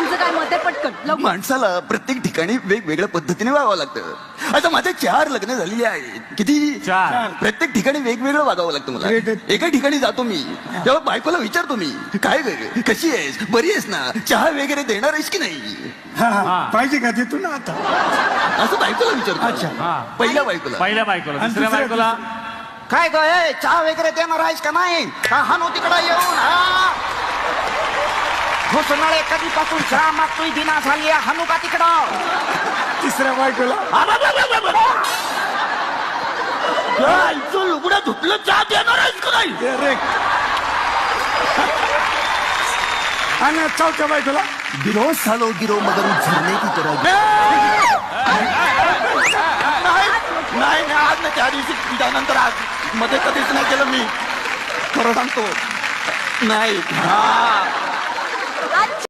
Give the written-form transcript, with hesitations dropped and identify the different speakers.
Speaker 1: तुझं काय मत आहे पटकन लवकर.
Speaker 2: माणसाला प्रत्येक ठिकाणी वेगवेगळ्या पद्धतीने वागावं लागतं. आता माझे 4 लग्न झालेली आहेत. किती?
Speaker 3: 4.
Speaker 2: प्रत्येक ठिकाणी वेगवेगळं वागावं लागतं मला. एका ठिकाणी जातो मी तेव्हा बायकोला विचारतो मी, काय ग कशी आहेस, बरी आहेस ना, चहा वगैरे देणार आहेस की नाही,
Speaker 4: पाहिजे का ते तू ना आता
Speaker 2: असं बायकोला विचारतो.
Speaker 3: हा.
Speaker 2: पहिल्या बायकोला.
Speaker 3: पहिल्या बायकोला.
Speaker 4: आणि
Speaker 3: दुसऱ्या
Speaker 4: दुसऱ्या-
Speaker 3: बायकोला
Speaker 2: काय ग चहा वगैरे देणार आहेस का नाही, का हानो तिकडे येऊन
Speaker 5: घोषणाळे कधीपासून चहा मागतोय दिना झाली हानू का तिकडं.
Speaker 4: तिसऱ्या बायकोला
Speaker 2: लुगडा धुतलं चहा देणार आहेस का नाही.
Speaker 4: रे आणि चौथ्या बायकोला
Speaker 2: गिरो सालो गिरो मगर झरने की तरह. नाही नाही आज नाही, त्या दिवशी त्यानंतर आज मध्ये कधीच नाही केलं मी, खरं सांगतो नाही.